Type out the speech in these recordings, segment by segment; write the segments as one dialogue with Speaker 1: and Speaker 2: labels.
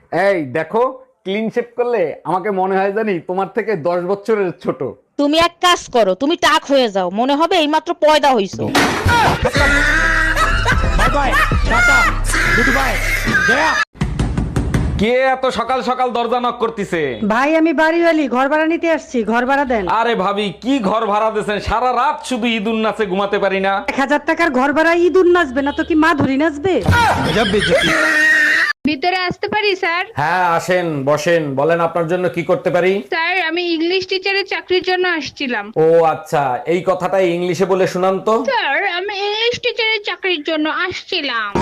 Speaker 1: এই দেখো, clean shave করলে আমাকে মনে হয় জানি তোমার থেকে 10 বছরের ছোট।
Speaker 2: তুমি এক কাজ করো, তুমি টাক হয়ে যাও, মনে হবে এইমাত্র পয়দা হইছো।
Speaker 3: Bye bye, tata, good bye, গয়া।
Speaker 1: কে এত সকাল সকাল দরজা নক করতেছে?
Speaker 4: ভাই আমি বাড়িওয়ালি, ঘর ভাড়া নিতে আসছি, ঘর ভাড়া দেন।
Speaker 1: আরে ভাবি, কি ঘর ভাড়া দিয়েছেন? সারা রাত শুধু ঈদুন নাচে ঘুমাতে পারি না।
Speaker 4: 1000 টাকার ঘর ভাড়া ইঁদুর নাচবে না তো কি মা ধরি নাচবে?
Speaker 5: ভিতরে আসতে পারি স্যার?
Speaker 1: হ্যাঁ আসেন, বসেন, বলেন আপনার জন্য কি করতে পারি।
Speaker 5: স্যার আমি ইংলিশ টিচারের চাকরির জন্য আসছিলাম।
Speaker 1: ও আচ্ছা, এই কথাটাই ইংলিশে বলে শুনান তো।
Speaker 5: স্যার আমি ইংলিশ টিচারের চাকরির জন্য আসছিলাম।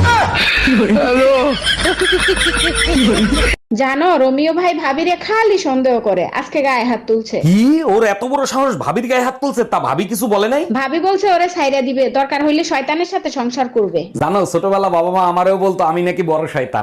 Speaker 6: জানো রোমিও ভাই ভাবিরে খালি সন্দেহ করে, আজকে গায়ে হাত তুলছে।
Speaker 1: কি, ওর এত বড় সাহস ভাবির গায়ে হাত তুলছে? তা ভাবি কিছু বলে নাই?
Speaker 6: ভাবি বলছে ওরে ছাইরা দিবে, দরকার হইলে শয়তানের সাথে সংসার করবে।
Speaker 1: জানো, ছোটবেলা বাবা মা আমারেও বলতো আমি নাকি বড় শয়তান।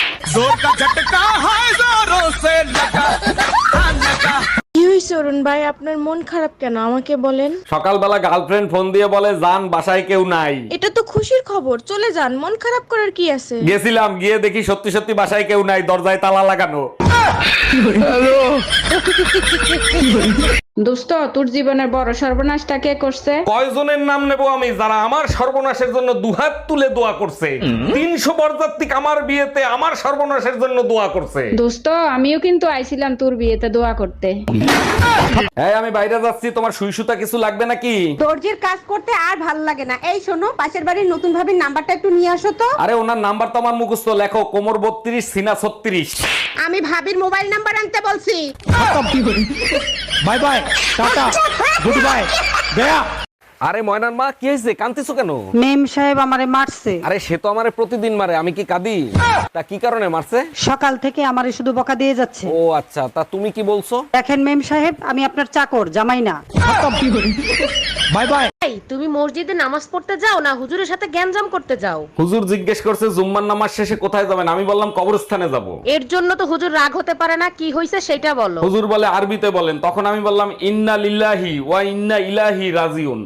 Speaker 7: কি হয়েছে অরুণ ভাই, আপনার মন খারাপ কেন আমাকে বলেন?
Speaker 1: সকালবেলা গার্লফ্রেন্ড ফোন দিয়ে বলে জান বাসায় কেউ নাই।
Speaker 7: এটা তো খুশির খবর, চলে যান, মন খারাপ করার কি আছে?
Speaker 1: গেছিলাম, গিয়ে দেখি সত্যি সত্যি বাসায় কেউ নাই, দরজায় তালা লাগানো।
Speaker 6: দোস্ত তোর জীবনের বড় সর্বনাশটা কে করছে?
Speaker 1: কয়জনের নাম নেব আমি যারা আমার সর্বনাশের জন্য দুহাত তুলে দোয়া করছে? 300 বরযাত্রী আমার বিয়েতে আমার সর্বনাশের জন্য দোয়া করছে।
Speaker 6: দোস্ত আমিও কিন্তু আইছিলাম তোর বিয়েতে দোয়া করতে।
Speaker 1: এই আমি বাইরে যাচ্ছি, তোমার সুই সুতা কিছু লাগবে নাকি?
Speaker 4: দর্জির কাজ করতে আর ভাল লাগে না। এই শোনো, পাশের বাড়ির নতুন ভাবির নাম্বারটা একটু নিয়ে আসো তো।
Speaker 1: আরে ওনার নাম্বার তো আমার মুখস্থ, লেখো কোমর 32 সিনা 36।
Speaker 4: আমি ভাবির মোবাইল নাম্বার আনতে বলছি।
Speaker 3: Bye bye, tata, good bye, গয়া।
Speaker 1: আরে ময়নার মা, কি হয়েছে? কাঁদতেছো কেন?
Speaker 4: মেম সাহেব আমারে মারছে।
Speaker 1: আরে সে তো আমারে প্রতিদিন মারে, আমি কি কাঁদি? তা কি কারণে মারছে?
Speaker 4: সকাল থেকে আমারে শুধু বকা দিয়ে যাচ্ছে।
Speaker 1: ও আচ্ছা, তা তুমি কি বলছো?
Speaker 4: দেখেন মেম সাহেব, আমি আপনার চাকর, জামাই না।
Speaker 3: Bye bye.
Speaker 2: তুমি মসজিদে নামাজ পড়তে যাও না হুজুরের সাথে গ্যাঞ্জাম করতে যাও?
Speaker 1: হুজুর জিজ্ঞেস করছে জুম্মার নামাজ শেষে কোথায় যাবেন, আমি বললাম কবরস্থানে যাব।
Speaker 2: এর জন্য তো হুজুর রাগ হতে পারে না, কি হয়েছে সেটা বলো।
Speaker 1: হুজুর বলে আরবিতে বলেন, তখন আমি বললাম ইন্না লিল্লাহি ওয়া ইন্না ইলাইহি রাজিউন।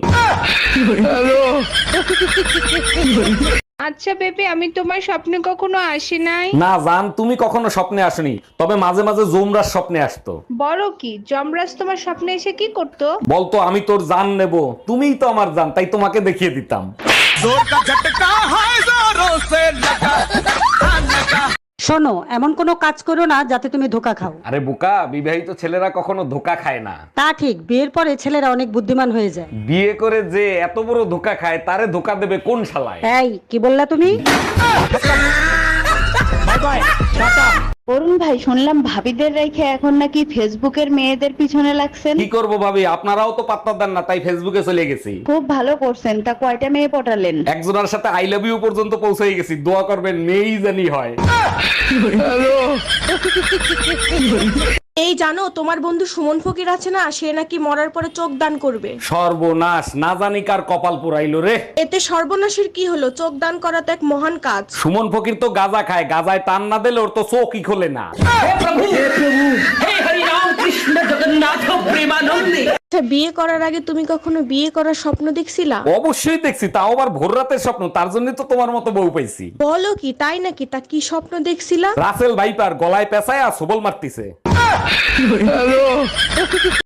Speaker 5: আচ্ছা বেবি, আমি তোমার স্বপ্নে কখনো আসি নাই।
Speaker 1: না জান, তুমি কখনো স্বপ্নে আসনি, তবে মাঝে মাঝে জুমরার স্বপ্নে আসতো।
Speaker 5: বড় কি যমরাজ তোমার স্বপ্নে এসে কি করতো?
Speaker 1: বলতো আমি তোর জান নেব, তুমিই তো আমার জান, তাই তোমাকে দেখিয়ে দিতাম।
Speaker 4: শোনো, এমন কোনো কাজ করো না যাতে তুমি ধোকা খাও।
Speaker 1: আরে বোকা, বিবাহিত ছেলেরা কখনো ধোকা খায় না।
Speaker 4: তা ঠিক, বিয়ের পরে ছেলেরা অনেক বুদ্ধিমান হয়ে যায়।
Speaker 1: বিয়ে করে যে এত বড় ধোকা খায়, তারে ধোকা দেবে কোন শালায়?
Speaker 4: এই কি বললা তুমি?
Speaker 3: By bye, tata.
Speaker 8: অরুণ ভাই শুনলাম ভাবিদের রেখে এখন নাকি ফেসবুকের মেয়েদের পিছনে লাগছেন।
Speaker 1: কি করব ভাবি, আপনারাও তো পাত্তা দেন না, তাই ফেসবুকে চলে গেছি।
Speaker 8: খুব ভালো করছেন, তা কয়টা মেয়ে পটালেন?
Speaker 1: একজনের সাথে আই লাভ ইউ পর্যন্ত পৌঁছে গেছি, দোয়া করবেন মেয়েই জানি হয়।
Speaker 7: এই জানো, তোমার বন্ধু সুমন ফকির আছে না, সে নাকি মরার পরে চোখ দান করবে।
Speaker 1: সর্বনাশ, না জানি কার কপাল পুরাইলো রে।
Speaker 7: এতে সর্বনাশের কি হলো? চোখ দান করা তো এক মহান কাজ।
Speaker 1: সুমন ফকির তো গাঁজা খায়, গাঁজায় টান না দিলে ওর তো চোখই খোলে না।
Speaker 7: আচ্ছা, বিয়ে করার আগে তুমি কখনো বিয়ে করার স্বপ্ন দেখছিলা?
Speaker 1: অবশ্যই দেখছি, তাও আবার ভোর রাতের স্বপ্ন, তার জন্য তো তোমার মতো বউ পাইছি।
Speaker 7: বলো কি, তাই নাকি? তা কি স্বপ্ন দেখছিলা?
Speaker 1: রাসেল ভাইপার গলায় পেঁচায় আর সবল মারতিছে।